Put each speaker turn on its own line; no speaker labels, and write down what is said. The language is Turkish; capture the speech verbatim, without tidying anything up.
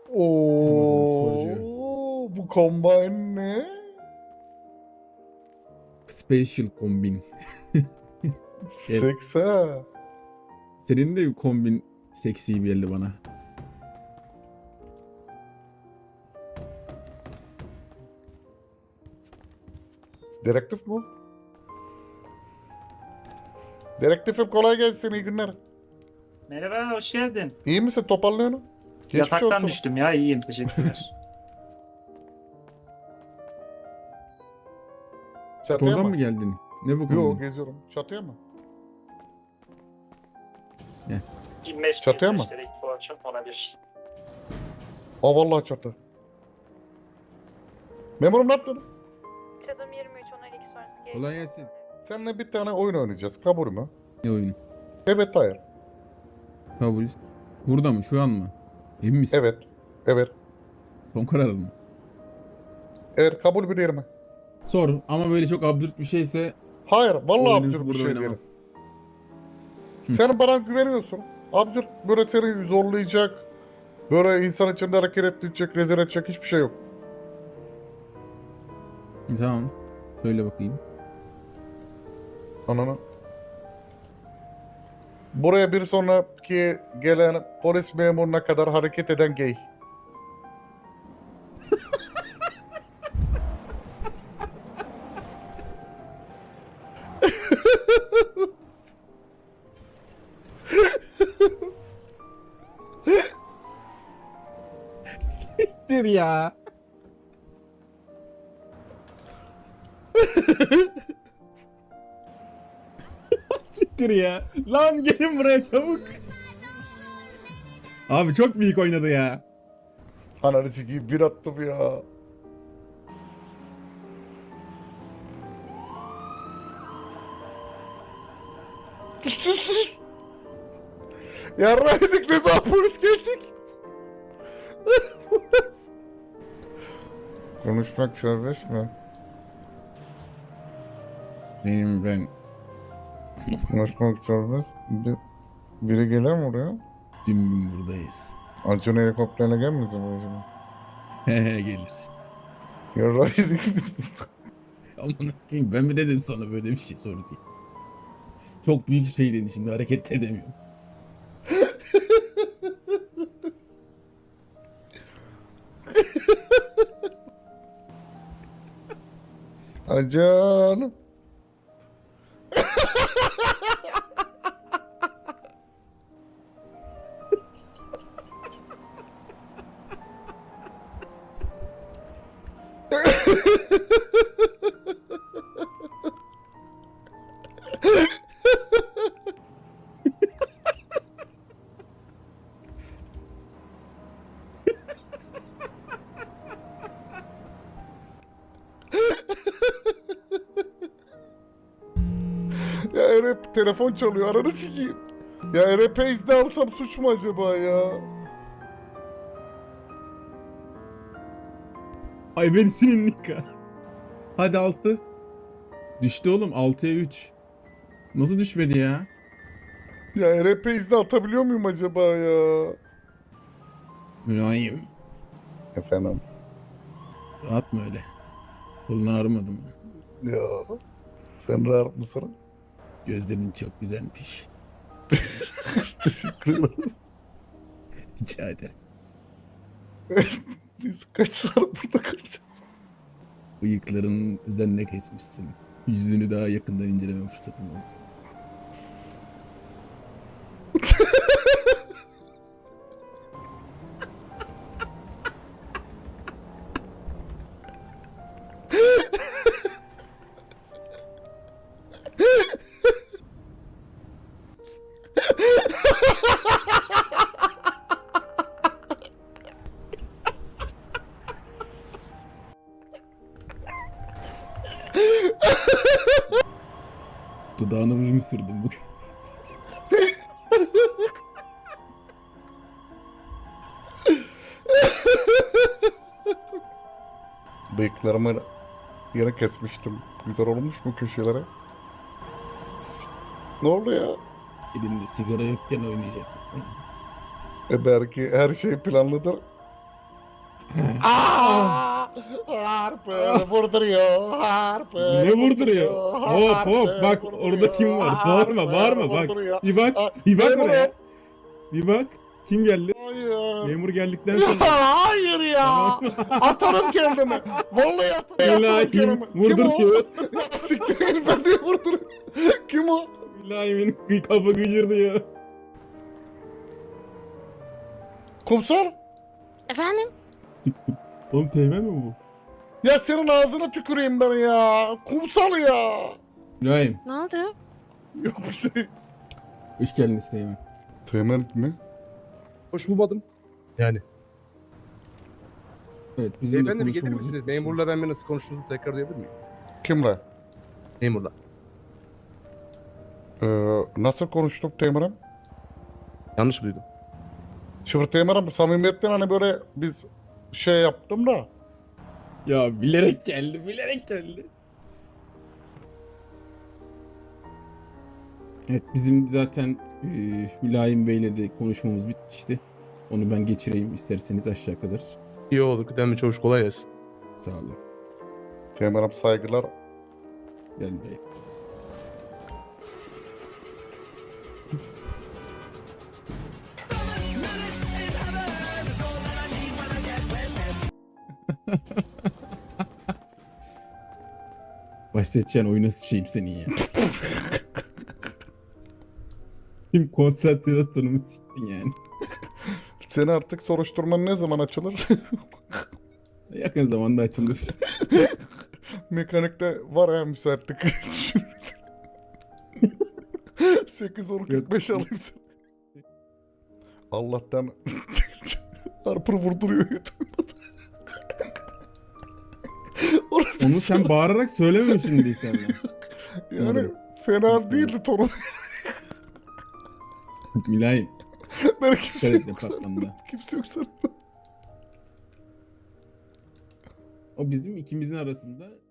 sporcu.
Oo, bu combine ne?
Special kombin. Evet.
Seksa.
Senin de bir kombin seksi geldi bana.
Direktif bu. Direktifim kolay gelsin, iyi günler.
Merhaba, hoş geldin.
İyi misin, toparlıyorsun? Geçmiş
Yataktan
olsun.
düştüm ya, iyiyim, teşekkürler.
Çatıya
Spordan
mı?
mı geldin? Ne bu
Yok,
kombin?
geziyorum. Çatıya mı?
yirmi beş
Çatıya mı?
bu akşam ona bir.
Aa vallahi çatı. Memurum ne yaptın?
Çadım yirmi üç on iki sonrası gelecek.
Kolay gelsin.
Seninle bir tane oyun oynayacağız. Kabul mü?
Ne oyunu?
Evet, hayır.
Kabul. Burada mı? Şu an mı? Emin misin?
Evet. Evet.
Son kararın mı?
Evet, kabul bir yerime.
Sor ama böyle çok absürt bir şeyse
Hayır, vallahi
oyunu
absürt bir
burada
şey
oynamam.
diyelim.
Hı.
Sen bana güveniyorsun. Absürt böyle seni zorlayacak, böyle insan içinde hareket ettirecek, rezil edecek hiçbir şey yok.
Tamam. Söyle bakayım.
Ananı. Buraya bir sonraki gelen polis memuruna kadar hareket eden gay.
Siktir ya. Siktir ya. Lan gelin buraya çabuk. Abi çok büyük oynadı ya.
Ananı sikeyim, bir attım ya. Yarraydık, ne zaman polis gelecek? Konuşmak serbest mi?
Benim ben
Konuşmak serbest. Bir, biri gelir mi oraya?
tüm gün buradayız.
Acun helikopterle gelmeyecek mi acaba?
Hehe gelir.
Yarraydık biz burada.
Aman akıyım ben mi dedim sana böyle bir şey sor diye. Çok büyük şey dedin şimdi hareket edemiyorum.
Acan. Ya Erep telefon çalıyor, ananı sikeyim. Ya Erep'e izne alsam suç mu acaba ya?
Ay ben senin Nika. Hadi altı. Düştü oğlum altıya üç. Nasıl düşmedi ya?
Ya Erep'e izne atabiliyor muyum acaba ya?
Mülayim.
Efendim?
Atma öyle. Kolun ağrımadı mı?
Ya sen rahat mısın?
Gözlerin çok güzelmiş.
Teşekkür ederim.
Rica ederim.
Biz kaç saat burada kalacağız?
Bıyıkların üzerine kesmişsin. Yüzünü daha yakından inceleme fırsatım oldu. Dudağına ruj mu sürdün bugün?
Bıyıklarımı yere kesmiştim. Güzel olmuş mu köşelere? Ne oldu ya?
Elimde sigara yokken oynayacaktık.
E belki her şey planlıdır. Aa! Harper vurduruyor. Harper
Ne vurduruyor? Hop hop bak orada kim var? Bağırma bağırma bak. Bir bak. Bir bak oraya. Bir bak. Kim geldi?
Hayır.
Memur geldikten
Ya,
sonra.
hayır ya. Atarım kendimi. Vallahi atarım, atarım
İlahi
kendimi. Kim o?
vurduruyor.
Ya siktir ben niye vurduruyorum? Kim o?
İlahi'nin kafa gıcırdı ya.
Komiser?
Efendim?
Siktir. Oğlum teğmen mi bu?
Ya senin ağzına tüküreyim ben ya. Kumsal ya.
İbrahim.
Ne oldu?
Yok bir şey.
Hoş geldiniz teğmen.
Teğmen mi?
Hoş bulmadım. Yani.
Evet bizim de
Beyefendi bir gelir
konuşmamız
misiniz?
bitmişti.
Memurla ben bir nasıl konuştuğunuzu tekrar duyabilir miyim?
Kimle?
Memurla.
Ee, nasıl konuştuk Teğmen'im?
Yanlış mı duydum?
Şimdi Teğmen'im samimiyetten hani böyle biz şey yaptım da.
Ya bilerek geldi bilerek geldi. Evet bizim zaten e, Mülayim Bey'le de konuşmamız bitmişti. Onu ben geçireyim isterseniz aşağı kadar.
İyi olur. Kıdemli çavuş kolay gelsin.
Sağ olun.
Teğmen'im saygılar.
Gel Bey. Başlatacaksın oyuna sıçayım senin ya. Kim konsantrasyonumu siktin yani.
Seni artık soruşturman ne zaman açılır?
Yakın zamanda açılır.
Mekanikte var ya müsaitlik. sekiz on kırk beş alayım sana. Allah'tan Harper vurduruyor YouTube'da.
Onu sen bağırarak söylememişsin diye sen.
Yani fena değildi tonu.
Mülayim.
Ben kimse
Dikkat et
yok
departmanda.
sanırım. Kimse yok sanırım.
O bizim ikimizin arasında